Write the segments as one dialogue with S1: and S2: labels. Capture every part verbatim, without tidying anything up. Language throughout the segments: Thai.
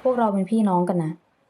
S1: วกเราเป็นพี่น้องกันนะ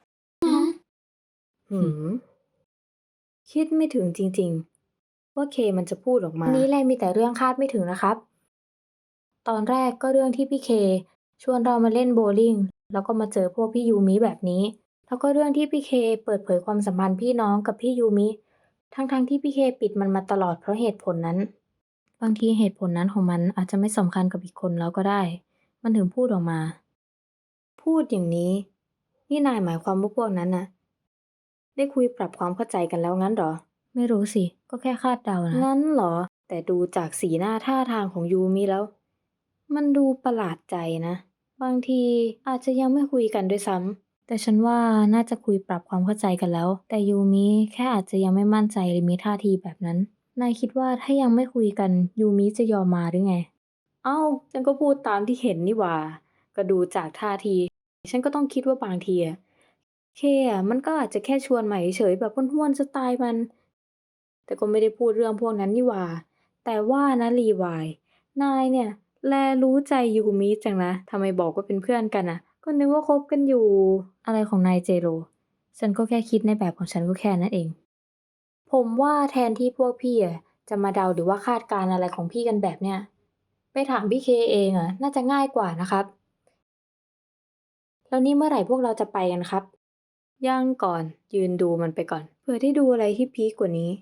S1: หืมคิดไม่ถึงจริงๆว่าเคมันจะพูดออกมาวันนี้แลมีแต่เรื่องคาดไม่ถึงนะครับ ตอนแรกก็เรื่องที่พี่เคชวนเรามาเล่นโบว์ลิ่งแล้วก็มาเจอพวกพี่ยูมิแบบนี้ แล้วก็เรื่องที่พี่เคเปิดเผยความสัมพันธ์พี่น้องกับพี่ยูมิ ทั้งๆที่พี่เคปิดมันมาตลอดเพราะเหตุผลนั้น บางทีเหตุผลนั้นของมันอาจจะไม่สำคัญกับอีกคนแล้วก็ได้ มันถึงพูดออกมา พูดอย่างนี้ นี่นายหมายความว่าพวกนั้นนะได้คุยปรับความเข้าใจกันแล้วงั้นเหรอ ไม่รู้สิ ก็แค่คาดเดานะ งั้นเหรอ แต่ดูจากสีหน้าท่าทางของยูมิแล้ว มันดูประหลาดใจนะ บางทีอาจจะยังไม่คุยกันด้วยซ้ำ แต่ฉันว่าน่าจะคุยปรับความเข้าใจกันแล้ว แต่ยูมิแค่อาจจะยังไม่มั่นใจหรือมีท่าทีแบบนั้น นายคิดว่าถ้ายังไม่คุยกันยูมิจะยอมมาหรือไง เอ้า ฉันก็พูดตามที่เห็นนี่หว่า ก็ดูจากท่าที ฉันก็ต้องคิดว่าบางทีอะเคอะมันก็อาจจะแค่ชวนใหม่เฉยแบบห้วนๆสไตล์มัน แต่ก็ไม่ได้พูดเรื่องพวกนั้นนี่หว่า แต่ว่านะรีวาย นายเนี่ยแลรู้ใจยูมิจังนะ ทำไมบอกว่าเป็นเพื่อนกันน่ะ ก็นึกว่าคบกันอยู่ อะไรของนายเจโร ฉันก็แค่คิดในแบบของฉันก็แค่นั้นเอง ผมว่าแทนที่พวกพี่อะจะมาเดาหรือว่าคาดการณ์อะไรของพี่กันแบบเนี้ย ไปถามพี่เคเองอะน่าจะง่ายกว่านะครับ แล้วนี่เมื่อไหร่พวกเราจะไปกันครับ ยังก่อน ยืนดูมันไปก่อน เผื่อได้ดูอะไรที่พีคกว่านี้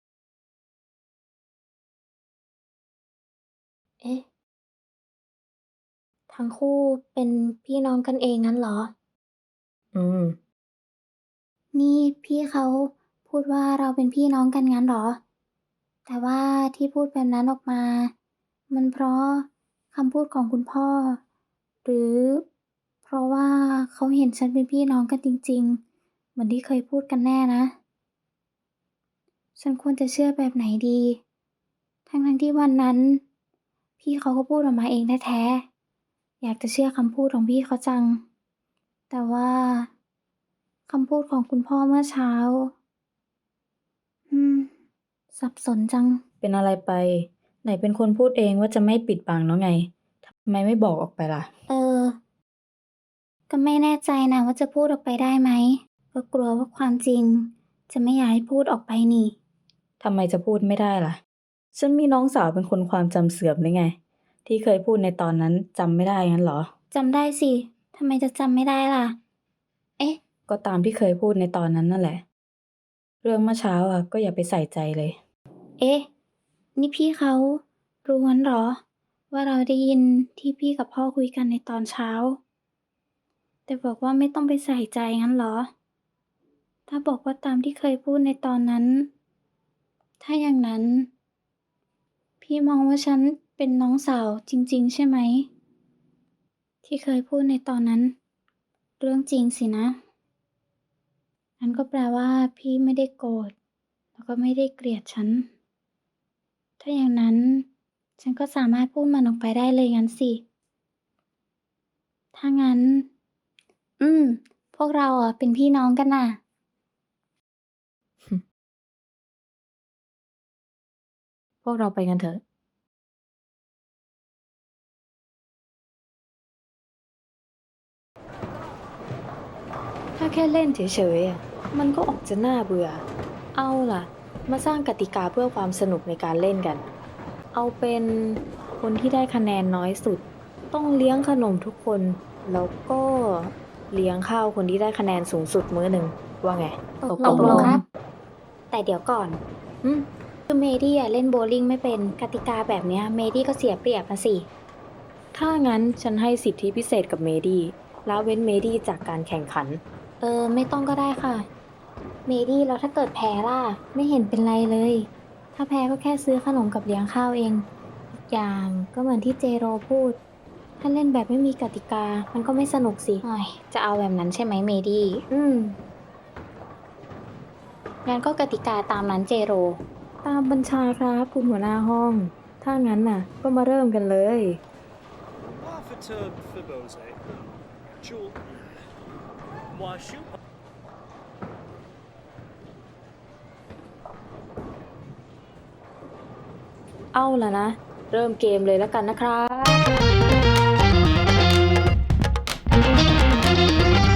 S1: เอ๊ะ ทั้งคู่เป็นพี่น้องกันเองงั้นเหรอ อืม นี่พี่เขาพูดว่าเราเป็นพี่น้องกันงั้นเหรอ แต่ว่าที่พูดแบบนั้นออกมา มันเพราะคำพูดของคุณพ่อ หรือเพราะว่าเขาเห็นฉันเป็นพี่น้องกันจริงๆ เหมือนที่เคยพูดกันแน่นะ ฉันควรจะเชื่อแบบไหนดี ทั้งๆที่วันนั้น พี่เขาก็พูดออกมาเองแท้ๆ อยากจะเชื่อคำพูดของพี่เขาจัง แต่ว่าคำพูดของคุณพ่อเมื่อเช้า อืม สับสนจัง เป็นอะไรไป ไหนเป็นคนพูดเองว่าจะไม่ปิดบังแล้วไง ทำไมไม่บอกออกไปล่ะ เออ ก็ไม่แน่ใจนะว่าจะพูดออกไปได้ไหม ก็กลัวว่าความจริง จะไม่อยากให้พูดออกไปนี่ ทำไมจะพูดไม่ได้ล่ะ ฉันมีน้องสาวเป็นคนความจำเสื่อมหรือไง ที่เคยพูดในตอนนั้นจำไม่ได้งั้นเหรอ จำได้สิ ทำไมจะจำไม่ได้ล่ะ เอ๊ะ ก็ตามที่เคยพูดในตอนนั้นนั่นแหละ เรื่องเมื่อเช้าอะก็อย่าไปใส่ใจเลย เอ๊ะ นี่พี่เขารู้งั้นเหรอ ว่าเราได้ยินที่พี่กับพ่อคุยกันในตอนเช้า แต่บอกว่าไม่ต้องไปใส่ใจงั้นเหรอ ถ้าบอกว่าตามที่เคยพูดในตอนนั้น ถ้าอย่างนั้น พี่มองว่าฉันเป็นน้องสาวจริงๆใช่ไหม ที่เคยพูดในตอนนั้น เรื่องจริงสินะ งั้นก็แปลว่าพี่ไม่ได้โกรธ แล้วก็ไม่ได้เกลียดฉัน ถ้าอย่างนั้น ฉันก็สามารถพูดมันออกไปได้เลยงั้นสิ ถ้างั้น อืม พวกเราอ่ะเป็นพี่น้องกันน่ะ พวกเราไปกันเถอะ ถ้าแค่เล่นเฉยๆอะมันก็ออกจะน่าเบื่อ เอาล่ะ มาสร้างกติกาเพื่อความสนุกในการเล่นกัน เอาเป็นคนที่ได้คะแนนน้อยสุด ต้องเลี้ยงขนมทุกคน แล้วก็เลี้ยงข้าวคนที่ได้คะแนนสูงสุดมื้อหนึ่ง ว่าไง ตกลงครับ แต่เดี๋ยวก่อนอืมคือเมดี้อะเล่นโบว์ลิ่งไม่เป็น กติกาแบบเนี้ยเมดี้ก็เสียเปรียบนะสิ ถ้างั้นฉันให้สิทธิพิเศษกับเมดี้ละเว้นเมดี้จากการแข่งขัน เออ ไม่ต้องก็ได้ค่ะ เมดี้แล้วถ้าเกิดแพ้ล่ะ ไม่เห็นเป็นไรเลย ถ้าแพ้ก็แค่ซื้อขนมกับเลี้ยงข้าวเอง อีกอย่างก็เหมือนที่เจโรพูด ถ้าเล่นแบบไม่มีกติกา มันก็ไม่สนุกสิอ้อยจะเอาแบบนั้นใช่ไหมเมดี้ อืม งั้นก็กติกาตามนั้นเจโร ตามบัญชาครับคุณหัวหน้าห้อง ถ้างั้นน่ะ ก็มาเริ่มกันเลย
S2: Wafata Fiboze. Jewel. Washu.
S1: เอาล่ะนะ เริ่มเกมเลยแล้วกันนะครับ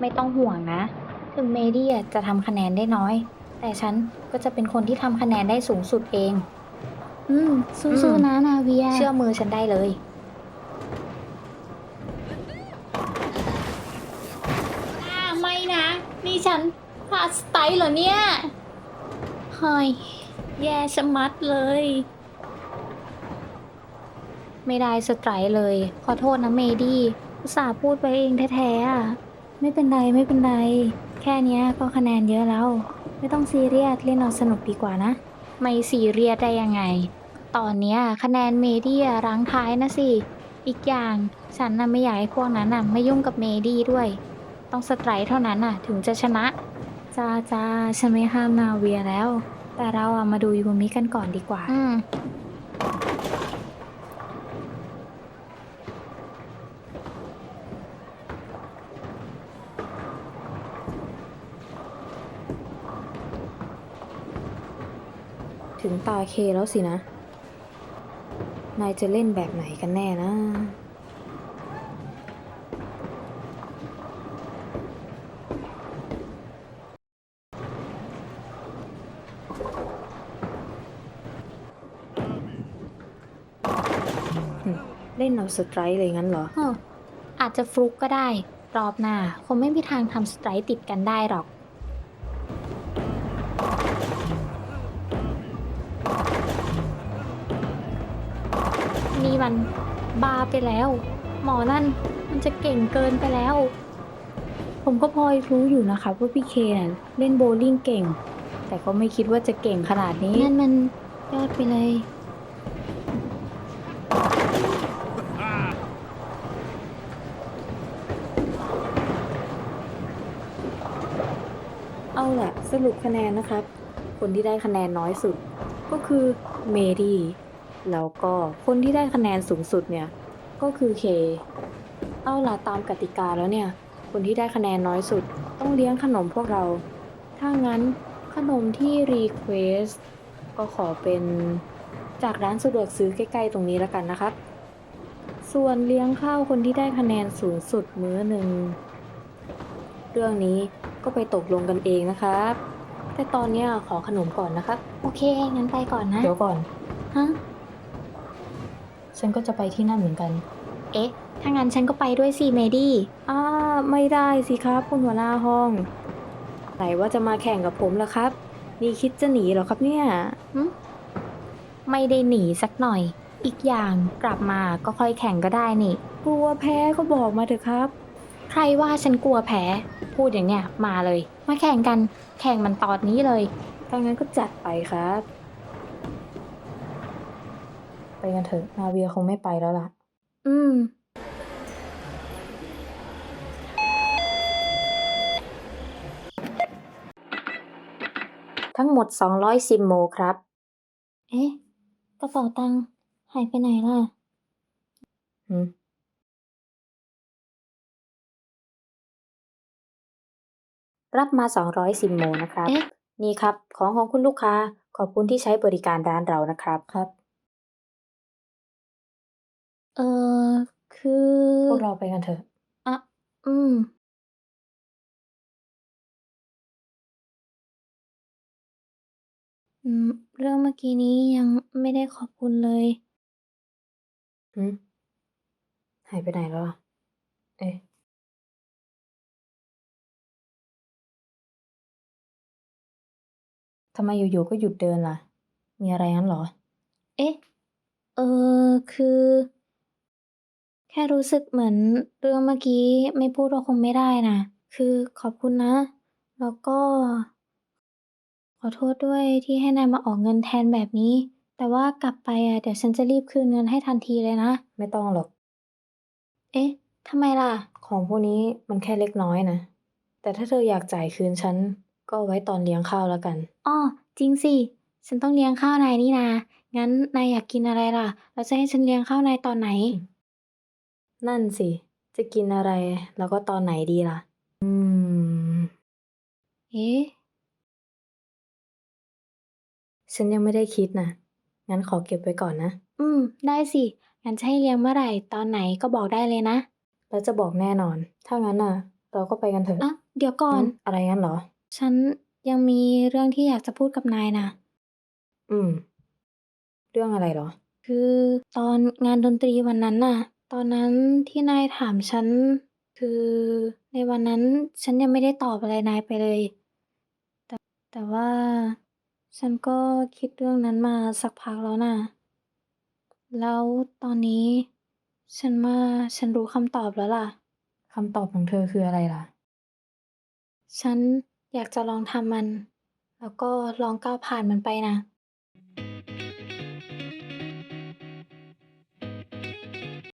S1: ไม่ต้องห่วงนะ ถึงเมดี้อะจะทำคะแนนได้น้อย แต่ฉันก็จะเป็นคนที่ทำคะแนนได้สูงสุดเอง อืม
S3: อื
S1: สู้
S3: ม
S1: ๆ นะนาเวีย เชื่อมือฉันได้เลย อ่าไม่นะ นี่ฉันพลาดสไตล์เหรอเนี่ยเฮ้ยแย่ชะมัดเลย ไม่ได้สไตร์เลย ขอโทษนะเมดี้อุตส่าห์พูดไปเองแท้ๆอะไม่เป็นไรไม่เป็นไร แค่เนี้ยก็คะแนนเยอะแล้ว ไม่ต้องซีเรียสเล่นเอาสนุกดีกว่านะ ไม่ซีเรียสได้ยังไง ตอนเนี้ยคะแนนเมดี้อะรั้งท้ายนะสิ อีกอย่างฉันน่ะไม่อยากให้พวกนั้นน่ะไม่ยุ่งกับเมดี้ด้วย ต้องสไตร์เท่านั้นน่ะถึงจะชนะ จ้าจ้าฉันไม่ห้ามนาเวียแล้ว แต่เราอะมาดูยูมิกันก่อนดีกว่า อืม ถึงตาเคแล้วสินะ นายจะเล่นแบบไหนกันแน่นะ เล่นเอาสไตร์เลยงั้นเหรอเอออาจจะฟลุกก็ได้ รอบหน้าคงไม่มีทางทำสไตร์ติดกันได้หรอก นี่มันบ้าไปแล้ว หมอนั่นมันจะเก่งเกินไปแล้ว ผมก็พอรู้อยู่นะครับว่าพี่เคน่ะเล่นโบว์ลิ่งเก่ง แต่ก็ไม่คิดว่าจะเก่งขนาดนี้ นั่นมันยอดไปเลย เอาล่ะสรุปคะแนนนะครับ คนที่ได้คะแนนน้อยสุด ก็คือเมดี้แล้วก็คนที่ได้คะแนนสูงสุดเนี่ย ก็คือเค เอาล่ะตามกติกาแล้วเนี่ย คนที่ได้คะแนนน้อยสุด ต้องเลี้ยงขนมพวกเรา ถ้างั้นขนมที่รีเควสก็ขอเป็นจากร้านสะดวกซื้อใกล้ๆตรงนี้แล้วกันนะครับ ส่วนเลี้ยงข้าวคนที่ได้คะแนนสูงสุดมื้อหนึ่ง เรื่องนี้ก็ไปตกลงกันเองนะครับ แต่ตอนเนี้ยขอขนมก่อนนะครับ โอเค งั้นไปก่อนนะ เดี๋ยวก่อน ฮะ ฉันก็จะไปที่นั่นเหมือนกัน เอ๊ะ ถ้างั้นฉันก็ไปด้วยสิเมดี้อ่าไม่ได้สิครับคุณหัวหน้าห้องไหนว่าจะมาแข่งกับผมล่ะครับ นี่คิดจะหนีเหรอครับเนี่ยหึไม่ได้หนีสักหน่อย อีกอย่างกลับมาก็ค่อยแข่งก็ได้นี่ กลัวแพ้ก็บอกมาเถอะครับ ใครว่าฉันกลัวแพ้ พูดอย่างเนี้ยมาเลย มาแข่งกัน แข่งมันตอนนี้เลย ถ้างั้นก็จัดไปครับ ไปกันเถอะ นาเวียคงไม่ไปแล้วล่ะ อืม ทั้งหมด สองร้อย ซิมโมครับ เอ๊ะ กระเป๋าตังค์หายไปไหนล่ะหืม รับมา สองร้อย ซิมโมนะครับ เอ๊ะ นี่ครับ ของของคุณลูกค้า ขอบคุณที่ใช้บริการร้านเรานะครับ ครับ เอ่อ คือ พวกเราไปกันเถอะ อะ อืม อืม เรื่องเมื่อกี้นี้ยังไม่ได้ขอบคุณเลย หืม หายไปไหนแล้วล่ะ เอ๊ะ ทำไมอยู่ๆก็หยุดเดินล่ะ มีอะไรงั้นเหรอ เอ๊ะ เอ่อ คือ แค่รู้สึกเหมือนเรื่องเมื่อกี้ไม่พูดก็คงไม่ได้น่ะ คือขอบคุณนะ แล้วก็ ขอโทษด้วยที่ให้นายมาออกเงินแทนแบบนี้ แต่ว่ากลับไปอะเดี๋ยวฉันจะรีบคืนเงินให้ทันทีเลยนะ ไม่ต้องหรอก เอ๊ะ ทำไมล่ะ ของพวกนี้มันแค่เล็กน้อยนะ แต่ถ้าเธออยากจ่ายคืนฉัน ก็เอาไว้ตอนเลี้ยงข้าวแล้วกัน อ้อ จริงสิ ฉันต้องเลี้ยงข้าวนายนี่นา งั้นนายอยากกินอะไรล่ะ แล้วจะให้ฉันเลี้ยงข้าวนายตอนไหน นั่นสิ จะกินอะไร แล้วก็ตอนไหนดีล่ะ อืม เอ๊ะ ฉันยังไม่ได้คิดน่ะ งั้นขอเก็บไว้ก่อนนะ อืม ได้สิ งั้นจะให้เลี้ยงเมื่อไหร่ ตอนไหนก็บอกได้เลยนะ แล้วจะบอกแน่นอน ถ้างั้นน่ะเราก็ไปกันเถอะ
S3: อะ เดี๋ยวก่อ
S1: หื
S3: น
S1: อ อะไรงั้นเหรอ?
S3: ฉันยังมีเรื่องที่อยากจะพูดกับนายน่ะ
S1: อืม เรื่องอะไรเหรอ?
S3: คือตอนงานดนตรีวันนั้นน่ะ ตอนนั้นที่นายถามฉัน คือในวันนั้นฉันยังไม่ได้ตอบอะไรนายไปเลย แต่ แต่ว่าฉันก็คิดเรื่องนั้นมาสักพักแล้วน่ะ แล้วตอนนี้ฉันว่าฉันรู้คำตอบแล้วล่ะ
S1: คำตอบของเธอคืออะไรล่ะ?
S3: ฉันอยากจะลองทำมัน แล้วก็ลองก้าวผ่านมันไปน่ะ